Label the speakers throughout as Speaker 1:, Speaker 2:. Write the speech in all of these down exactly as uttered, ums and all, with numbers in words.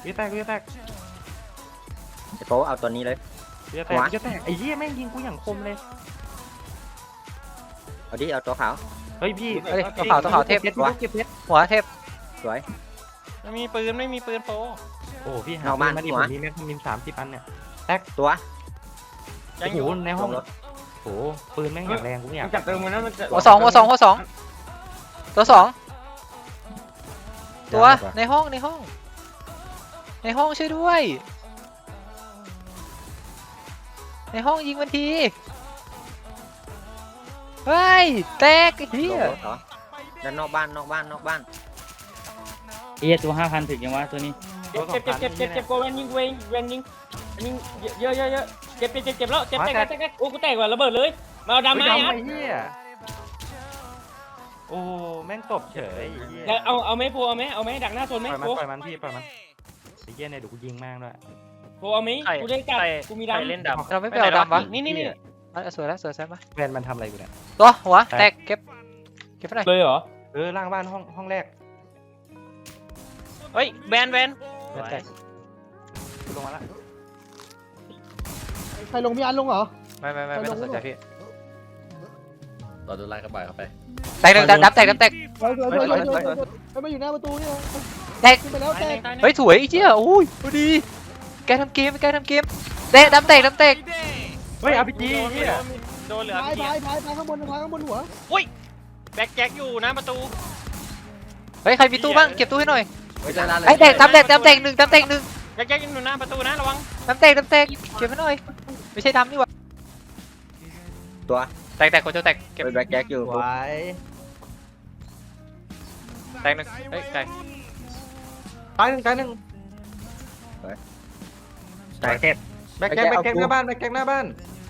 Speaker 1: วิแตกวิแตก
Speaker 2: ไอ้โป๊เอาตัวนี้เลย
Speaker 1: วิแตกวิแตกไอ้เหี้ยแม่งยิงกูอย่างคมเลย
Speaker 2: เอาดิเอาตัวขาว
Speaker 1: เฮ้ยพี่
Speaker 3: เอ้ยตัวขาวตัวขาวเทพ
Speaker 1: เก็บเก็บเพชร
Speaker 3: หัวเทพ
Speaker 2: สวย
Speaker 4: ไม่มีปืนไม่มีปืนโป
Speaker 1: โอ้พี่หา
Speaker 2: เอา
Speaker 1: ปื
Speaker 2: มาน
Speaker 1: มาดิ
Speaker 2: หั
Speaker 1: ผ
Speaker 2: ว
Speaker 1: มมีแม็กมินสามสิบอันเนี่ย
Speaker 2: ตัว
Speaker 1: โอ้โหในห้อง
Speaker 2: ลงรถ
Speaker 1: โอ้โหปืนแม่งอย่างแรงกูไม่อยาก
Speaker 5: จับเติมมันนะมันจะ
Speaker 3: หัวสองหัวสองหัวสองตัวสองตัวในห้องในห้อง ในห้องช่วยด้วย ในห้องยิงมันทีเฮ้ยแตกไอ้เหี้
Speaker 2: ล
Speaker 3: ย
Speaker 2: งรถเหรอด้านนอกบ้านนอกบ้านนอกบ้าน
Speaker 6: เอตัวห้าพันถึงยังวะตัวนี้
Speaker 5: เจ็บเจ็บเจ็บเจ็บเจ็บเจ็บโกเวนยิงเวนเวนยิงยิงเยอะเยอะเยอะเจ็บเจ็บเจ็บเจ็บแล้วเจ็บแตกแตกแตกโอ้กูแตกว่ะระเบิดเลยมาเอาดำไม้
Speaker 1: ไอ้
Speaker 5: อ่ะ
Speaker 1: เหี้ยโอ้แม่งตบเฉยไอ้เหี้ย
Speaker 5: เอาเอาไหมโพเอาไหมเอาไหมดักหน้าโซนไหม
Speaker 1: ปล่อยมัน
Speaker 5: โพ
Speaker 1: ปล่อยมันพี่ปล่อยมันไอ้เหี้ยเนี่ยเดี๋ยวกูยิงแม่งด้วย
Speaker 5: โพเอาไหมกูได้จัดกูมี
Speaker 4: ใคร
Speaker 5: ดำ
Speaker 4: เล่นดำ
Speaker 3: เราไม่ไปเอาดำวะ
Speaker 4: นี่นี่นี่
Speaker 3: อ่ะสวยแล้วสวยแซ่บปะ
Speaker 1: แฟนมันทำอะไรอยู่เนี่ย
Speaker 3: ตัวหัวแตกเก็บเก็บไปหน่อย
Speaker 5: เลยเหรอ
Speaker 1: เออล่างบ้านห้องห้องแรก
Speaker 4: เฮ้ยแบนแบน
Speaker 3: แตก
Speaker 1: กูลงมาละ
Speaker 7: ใครลงพี่อันลงเหรอ
Speaker 3: ไม่ไม่ไม่ไม่ต้องสนใจพี่
Speaker 8: ต่อดูไล่กระบายเข้าไป
Speaker 3: แตกหนึ่งดับดับแตกดับแตก
Speaker 7: สวยสวยสวยสวยสวยสวยไปมาอยู่หน้าประตูนี่
Speaker 3: แตก
Speaker 7: ขึ้นไปแล้วแตก
Speaker 3: เฮ้ยสวยไอ้เจี๊ยโอ้ยพอดีแกทำเกมแกทำเกมเตะดับแตกดับแตก
Speaker 1: เฮ้ยอาร์พีจีเหี้ย
Speaker 4: โดนเหลือ
Speaker 7: พาย
Speaker 4: พี่
Speaker 7: พายพายพายข้างบนพายข้างบนหัว
Speaker 4: แบ็คแจ็คอยู่นะประตู
Speaker 3: เฮ้ยใครมีตู้บ้างเก็บตู้ให้หน่อย
Speaker 2: เฮ้ยด้านล่างเลย
Speaker 3: ไอ้แตกดับแตกดับแตกหนึ่งดับแตกหนึ่ง
Speaker 4: แบ็คแจ็คอยู่หน้าประตูนะระวัง
Speaker 3: ดับแตกดับแตกเก็บให้หน่อยไม่ใช่ดำนี่หว่า
Speaker 2: ตัว
Speaker 3: แตกแตกคนจะแตกเก็บ
Speaker 2: เป็นแบ็คแจ็คอยู่
Speaker 1: สวย
Speaker 3: แตกหนึ่งเฮ้ยแตก
Speaker 1: ตายหนึ่งตายหนึ่ง
Speaker 2: แบ็คแจ็ค
Speaker 1: แบ็คแจ็คแบ็คแจ็คหน้าบ้านแบ็คแจ็คหน้าบ้าน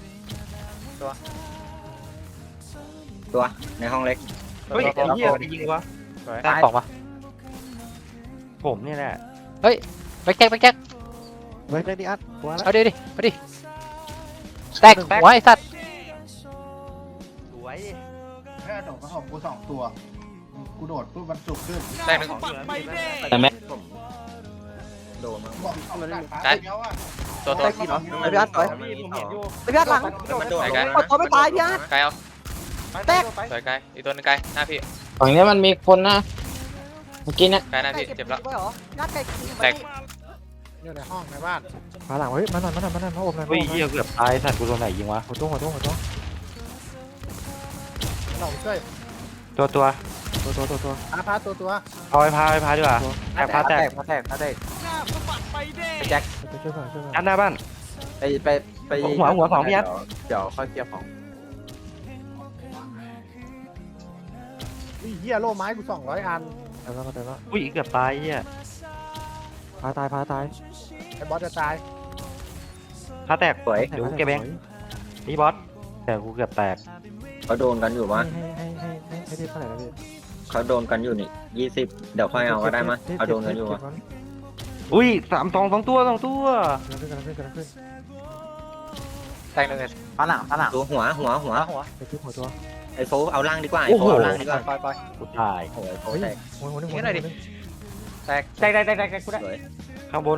Speaker 2: ตัวในห้องเล็ก
Speaker 1: เฮ้ยไอ้เหี้ยไปยิงวะ
Speaker 3: แตกของปะ
Speaker 1: ผมนี่แหละ
Speaker 3: แบ็คแจ็คแบ็คแจ็ค
Speaker 7: เฮ้ยได้ดิอัดหัวแล้ว
Speaker 3: เอาดิดิมาดิแตกหัวไอ้สัตว์
Speaker 1: สวย
Speaker 7: แค่โดดมาของกูสองตัว กูโดดปุ๊บมันจุกขึ้น
Speaker 3: แตกหนึ่ง
Speaker 2: แต่แม็กผมโดนมั้ง
Speaker 7: บอกเอาหลักฐานเดียวอ่ะ
Speaker 3: ตัวตัว
Speaker 7: ไอ้พี่เหรอ
Speaker 2: ไอ้พี่อัดไป
Speaker 1: ผมเห็นอยู่
Speaker 2: ไอ้พี่อัดหลังมันโดดลง
Speaker 3: กดตัวไม่ตายพี่อัด
Speaker 1: ไกลเอา
Speaker 3: แตก
Speaker 1: ไป
Speaker 3: สวยไกลอีกตัวนึงไกลหน้าพี่
Speaker 5: ฝั่งนี้มันมีคนนะเมื่อกี้เนี่ย
Speaker 3: ไกลหน้าพี่เจ็บแล้วแตก
Speaker 7: อยู่ในห้องในบ้านมาหลังเฮ้ยมาหน่อยมาหน่อยมาหน่อยมาอบหน่อย
Speaker 1: เฮ้ยเหี้ยเกือบตายสัตว์กูโดนไหนยิงวะ
Speaker 7: หัวตัวหัวตัวหัวตัวเราช่วย
Speaker 1: ตัวตัว
Speaker 7: ตัวตัวตัวตัวอาพาตัวตัว
Speaker 1: เอาไปพาไปพาดีกว่าแตกพาแตก
Speaker 2: พาแตกพาแตกไปแจ็ค
Speaker 7: ไปช่วยก่อนช่วยก่อน
Speaker 1: อันหน้าบ้าน
Speaker 2: ไปไปไป
Speaker 1: หัวหัวสองพี่อัด
Speaker 2: เดี๋ยวค่อยเคลียร์ของ
Speaker 7: เฮียโล่ไม้กูสองร้อยอันแต่แล้วแต่แล้ว
Speaker 1: อุ้ยเกือบตายเหี้ย
Speaker 7: พาตายพาตายไอ้บอสจะตาย
Speaker 1: พาแตก
Speaker 2: สวย
Speaker 1: เดี๋ยวกูเก็บเองนี่บอสแต่กูเกือบแตก
Speaker 2: เขาโดนกันอยู่มั้ย
Speaker 7: ให้ให้ให้ให้ให้ได้เท่าไหร่แล้วพี่
Speaker 2: เขาโดนกันอยู่นี่ยี่สิบเดี๋ยวค่อยเอาก็ได้มั้ยเขาโดนกันอยู่อ่ะ
Speaker 1: อุ้ยสามสองสองตัวสองตัว
Speaker 7: กำลังขึ้นกำลังขึ้นกำลังขึ้น
Speaker 3: แตกหนึ่งเลย
Speaker 2: ฝรั่งฝรั่งตัวหัวหัวหัว
Speaker 3: หัว
Speaker 7: ไปทุบหัวตัว
Speaker 2: ไอ้โฟเอาล่างดีกว่าไอ้โฟเอาล่างดีกว่า
Speaker 3: ปล่อยปล่อย
Speaker 1: กูตาย
Speaker 2: โอ้ยโฟ
Speaker 7: เฮ้ย
Speaker 2: แตก
Speaker 7: หัวหัวนึงหัว
Speaker 3: นี่หน่อยดิ แตก
Speaker 5: แตกแตกแตกแตกกูได้
Speaker 2: สวย
Speaker 1: ข้างบน